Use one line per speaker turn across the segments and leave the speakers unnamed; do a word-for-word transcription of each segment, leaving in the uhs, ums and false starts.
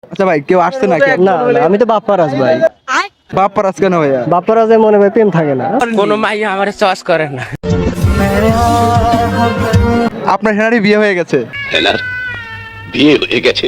আচ্ছা ভাই, কেউ আসছে নাকি?
না না, আমি তো বাপ্পারাজ ভাই।
বাপ্পারাজ কেন ভাইয়া?
বাপ্পারাজে মনে হয় প্রেম থাকে না।
কোনো মাইয়া আমার চয়েস করে না।
আপনার হেনারি বিয়ে হয়ে গেছে?
হেনার বিয়ে হয়ে গেছে।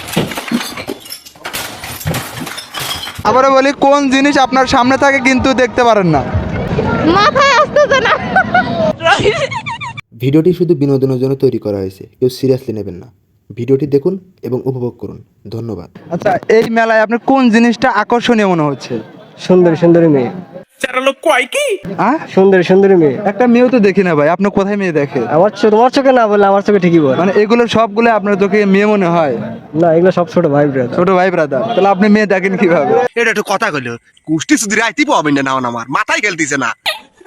আবারও বলি, কোন জিনিস আপনার সামনে থাকে কিন্তু দেখতে পারেন না?
মাথায় আসতেছে না।
ভিডিওটি শুধু বিনোদনের জন্য তৈরি করা হয়েছে, কেউ সিরিয়াসলি নেবেন না। ভিডিওটি দেখুন এবং উপভোগ করুন। ধন্যবাদ।
আচ্ছা, এই মেলায় আপনার কোন জিনিসটা আকর্ষণীয় মনে হচ্ছে?
সুন্দরী সুন্দরী মেয়ে।
হ্যাঁ,
সুন্দরী সুন্দরী মেয়ে।
একটা মেয়েও তো দেখি না ভাই, আপনি কোথায় মেয়ে দেখে?
আমার চো- তোমার চোখে না বললে আমার চোখে ঠিকই বল।
মানে এগুলো সবগুলো আপনার চোখে মেয়ে মনে হয়?
না, এগুলো সব ছোট ভাই ব্রাদার।
ছোট ভাই ব্রাদার, তাহলে আপনি মেয়ে দেখেন কিভাবে?
এটা একটু কথা কইল কুষ্টি সুধীর আইতি পাবেন না আমার মাথায় খেলতেছে না।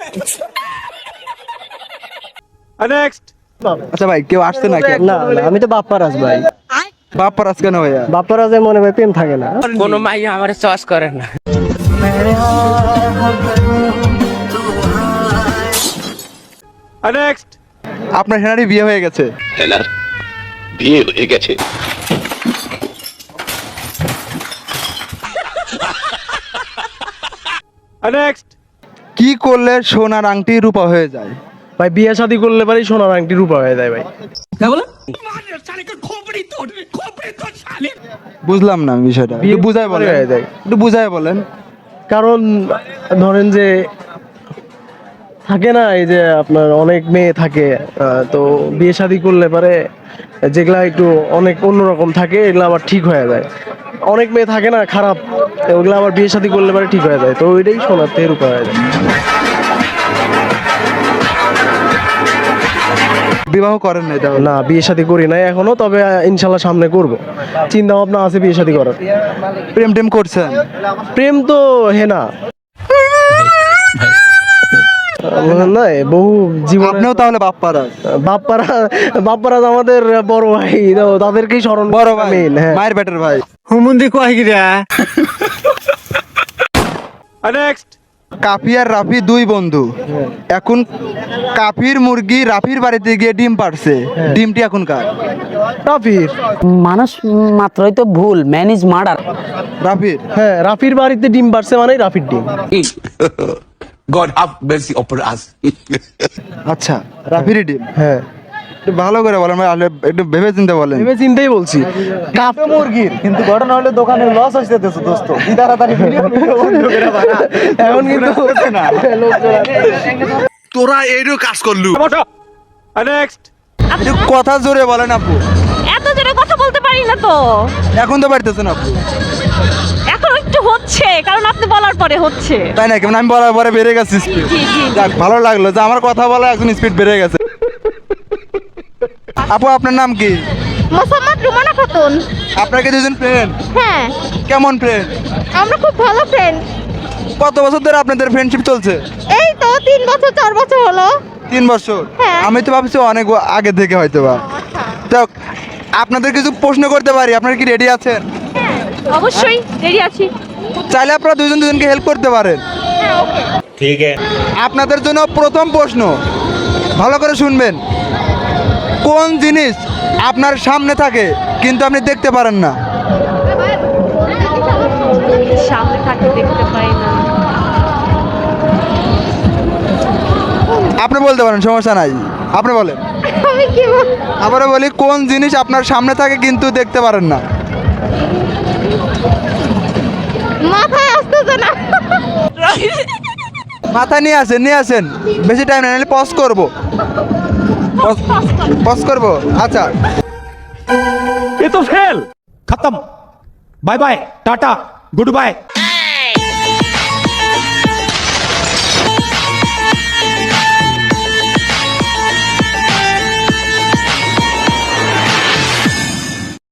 আচ্ছা ভাই, কেউ আসছে নাকি?
না না, আমি তো বাপ্পারাজ ভাই।
বাপ্পারাজ কেন ভাইয়া?
বাপ্পারাজে মনে হয় প্রেম থাকে না।
কোনো মাইয়া আমার চয়েস করে না।
আপনার হেনারি বিয়ে হয়ে গেছে?
হেনার বিয়ে হয়ে গেছে।
কি করলে সোনার আংটি রূপা হয়ে যায়?
ভাই বিয়ে শাদী করলে পারি সোনার আংটি রূপা হয়ে যায় ভাই।
বুঝলাম না বিষয়টা, একটু বুঝায় বলেন।
হয়ে যায়।
একটু বুঝায় বলেন।
কারণ ধরেন যে থাকে না, এই যে আপনার অনেক মেয়ে থাকে, আহ, তো বিয়ে শাদী করলে পারে যেগুলা একটু অনেক অন্যরকম থাকে এগুলো আবার ঠিক হয়ে যায়। অনেক মেয়ে থাকে না খারাপ, ওগুলো আবার বিয়ে শাদী করলে পারে ঠিক হয়ে যায়, তো ওইটাই সোনার থেকে রূপা হয়ে যায়।
বিবাহ করেন না এটা?
না, বিয়ে শাদী করি নাই এখনো, তবে আহ, ইনশাল্লাহ সামনে করব। চিন্তা ভাবনা আছে বিয়ে শাদী করার।
প্রেম টেম করছেন?
প্রেম তো হেনা না, বহু জীবন।
আপনিও তাহলে বাপ্পারাজ?
বাপ্পারা বাপ্পারাজ আমাদের বড় ভাই, তো তাদেরকেই স্মরণ।
বড় ভাই,
মেন, হ্যাঁ।
মায়ের বেটার ভাই।
হুমুন্দি কয় গিরা।
কাফি আর রাফি দুই বন্ধু। এখন কাফির মুরগি রাফির বাড়িতে গিয়ে ডিম পারছে, ডিমটি এখন কার?
রাফির।
মানুষ মাত্রই তো ভুল, ম্যান ইজ মার্ডার।
রাফির?
হ্যাঁ, রাফির বাড়িতে ডিম পারছে মানে রাফির ডিম।
God have mercy upon us.
আচ্ছা, রাফির ডিম।
হ্যাঁ,
একটু ভালো করে বলেন ভাই, আলে- একটু ভেবে চিন্তে বলেন।
ভেবে চিন্তাই বলছি।
কাফ মুরগির, কিন্তু ঘটনা হলো দোকানে লস হইছে তো দোস্ত। কি তাড়াতাড়ি ভিডিও বন্ধ করে বাড়া।
এখন কিন্তু
না।
তোরা এইরও কাজ করলু।
একটু কথা জোরে বলেন আপু।
এত জোরে কথা বলতে পারি না তো।
এখন তো পারতেছেন আপু।
এখন একটু হচ্ছে, কারণ আপনি বলার পরে হচ্ছে।
তাই নাকি? মানে আমি বলার পরে বেড়ে গেছে স্পিড।
জি জি।
যাক, ভালো লাগলো যে আমার কথা বলা এখন স্পিড বেড়ে গেছে। আপু, আপনার নাম কি?
মোসাম্মদ রুমানা খাতুন।
আপনার কি দুজন ফ্রেন্ড?
হ্যাঁ,
কেমন ফ্রেন্ড?
আমরা খুব ভালো ফ্রেন্ড।
কত বছর ধরে আপনাদের ফ্রেন্ডশিপ চলছে?
এই তো তিন বছর চার বছর হলো।
তিন বছর?
হ্যাঁ।
আমি তো ভাবছি অনেক আগে থেকে হয়তো বা। তো আপনাদের কিছু প্রশ্ন করতে পারি? আপনারা কি রেডি আছেন?
অবশ্যই রেডি আছি।
চাইলে আপনারা দুজন দুজনকে হেল্প করতে পারেন।
ঠিক আছে।
আপনাদের জন্য প্রথম প্রশ্ন, ভালো করে শুনবেন। কোন জিনিস আপনার সামনে থাকে কিন্তু আপনি দেখতে পারেন না?
সামনে থাকে দেখতে পাই না।
আপনি বলতে পারেন, সমস্যা নাই, আপনি বলেন।
আমি কি বল-
আবারও বলি, কোন জিনিস আপনার সামনে থাকে কিন্তু দেখতে পারেন না?
মাথায় আসতেছে না।
মাথা নিয়ে আসেন, নিয়ে আসেন, বেশি টাইম না, নাহলে পজ করবো। পজ করবো? আচ্ছা।
ये तो फेल खत्म bye bye tata good bye.